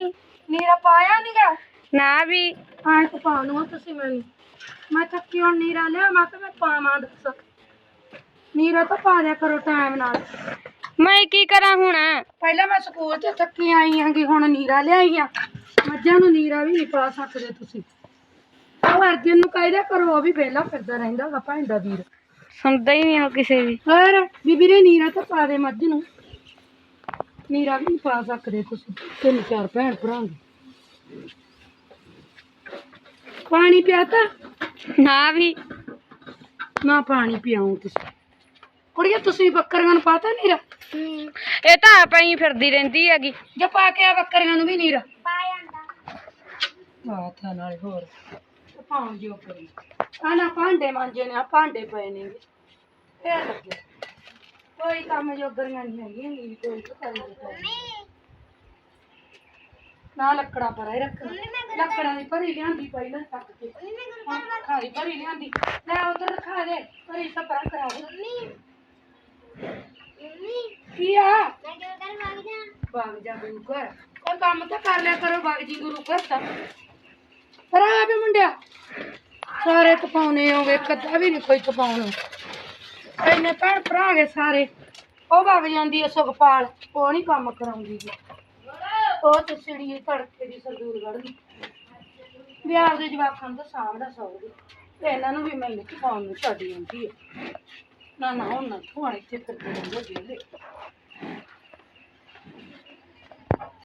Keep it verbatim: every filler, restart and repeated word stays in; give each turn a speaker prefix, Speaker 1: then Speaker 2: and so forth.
Speaker 1: ਨੀਰਾ ਪਾਇਆ ਨੀਗਾ
Speaker 2: ਨਾ ਵੀ
Speaker 1: ਹਾਂ ਤੇ ਪਾ ਲੂੰ ਤੁਸੀਂ ਮੈਨੂੰ ਮੈਂ ਥੱਕੀ ਹੁਣ ਨੀਰਾ ਲਿਆ ਮੈਂ ਕਿਹਾ ਮੈਂ ਪਾਵਾਂ ਦੱਸ ਨੀਰਾ ਤਾਂ ਪਾ ਦਿਆ ਕਰੋ ਟਾਈਮ ਨਾਲ
Speaker 2: ਮੈਂ ਕੀ ਕਰਾਂ ਹੁਣ
Speaker 1: ਪਹਿਲਾਂ ਮੈਂ ਸਕੂਲ ਤੇ ਥੱਕੀ ਆਈ ਆਂਗੀ ਹੁਣ ਨੀਰਾ ਲਿਆਈ ਆ ਮੱਝਾਂ ਨੂੰ ਨੀਰਾ ਵੀ ਨਹੀਂ ਪਾ ਸਕਦੇ ਤੁਸੀਂ ਉਹ ਅਰਜਨ ਨੂੰ ਕਹਿ ਕਰੋ ਉਹ ਵੀ ਵਿਹਲਾ ਫਿਰਦਾ ਰਹਿੰਦਾ ਵਾ ਭਾਂਡਾ ਵੀਰ
Speaker 2: ਸੁਣਦਾ ਹੀ ਨਹੀਂ ਕਿਸੇ ਦੀ
Speaker 1: ਹੋਰ ਬੀਬੀ ਨੇ ਨੀਰਾ ਤਾਂ ਪਾ ਦੇ ਮੱਝ ਨੂੰ ਨੀਰਾ ਵੀ ਨਹੀਂ ਪਾ ਸਕਦੇ ਤੁਸੀਂ ਤਿੰਨ ਚਾਰ ਭੈਣ ਭਰਾਂਗੇ ਪਾਣੀ ਪਿਆਤਾ
Speaker 2: ਨਾ ਵੀ
Speaker 1: ਨਾ ਪਾਣੀ ਪਿਆਉਂ ਤੁਸੀਂ ਕੁੜੀਏ ਤੁਸੀਂ ਬੱਕਰੀਆਂ ਨੂੰ ਪਾਤਾ ਨੀਰਾ
Speaker 2: ਇਹ ਤਾਂ ਆਪਾਂ ਹੀ ਫਿਰਦੀ ਰਹਿੰਦੀ ਹੈਗੀ
Speaker 1: ਜੇ ਪਾ ਕੇ ਆ ਬੱਕਰੀਆਂ ਨੂੰ ਵੀ ਨੀਰਾ ਪਾ ਜਾਂਦਾ ਵਾਹ ਨਾਲੇ ਹੋਰ ਪਾਉਂ ਜਿਓ ਕਰੀ ਆ ਨਾ ਭਾਂਡੇ ਮਾਂਜੇ ਨੇ ਆ ਭਾਂਡੇ ਪਏ ਨੇ ਫੇਰ ਲੱਗੇ ਕੋਈ ਕੰਮ ਜੋਗਰੀਆਂ ਨਹੀਂ ਹੈਗੀਆਂ ਨੀ ਕੋਈ ਕਰੀ ਨਾ ਲੱਕੜਾ ਪਰ ਰੱਖ ਲੱਕੜਾਂ ਦੀ ਭਰੀ ਲਿਆਂਦੀ ਪਹਿਲਾਂ ਤੱਕ ਕੇ ਖਾਲੀ ਭਰੀ ਲਿਆਂਦੀ ਲੈ ਉਧਰ ਰਖਾ ਦੇ ਭਰੀ ਸਪਰਾ ਕਰਾ ਦੇ ਕੀ ਆ ਬਾਗ ਜਾ ਗੁਰੂ ਘਰ ਕੋਈ ਕੰਮ ਤਾਂ ਕਰ ਲਿਆ ਕਰੋ ਬਾਗ ਜੀ ਗੁਰੂ ਘਰ ਤਾਂ ਪਰ ਆ ਵੀ ਮੁੰਡਿਆ ਸਾਰੇ ਤਪਾਉਣੇ ਹੋਗੇ ਕਦਾ ਵੀ ਨਹੀਂ ਕੋਈ ਤਪਾਉਣਾ ਇੰਨੇ ਭੈਣ ਭਰਾ ਗਏ ਸਾਰੇ ਉਹ ਵਗ ਜਾਂਦੀ ਐ ਸੁਖਪਾਲ ਉਹ ਨਹੀਂ ਕੰਮ ਕਰਾਉਂਦੀ ਉਹ ਤੇ ਸਿੜੀ ਤੜਕੇ ਦੀ ਸਰਦੂਲਗੜ੍ਹ ਦੀ ਵੀ ਆਪਦੇ ਜਵਾਕਾਂ ਨੂੰ ਤਾਂ ਸਾਂਭਦਾ ਸੌਂਦੀ ਤੇ ਇਹਨਾਂ ਨੂੰ ਵੀ ਮੈਨੂੰ ਤਪਾਉਣ ਨੂੰ ਛੱਡ ਜਾਂਦੀ ਹੈ ਨਾ ਨਾ ਹੁਣ ਨਾ ਹੁਣ ਇੱਥੇ ਫਿਰਦੇ ਰਹਿੰਦੇ ਵਿਹਲੇ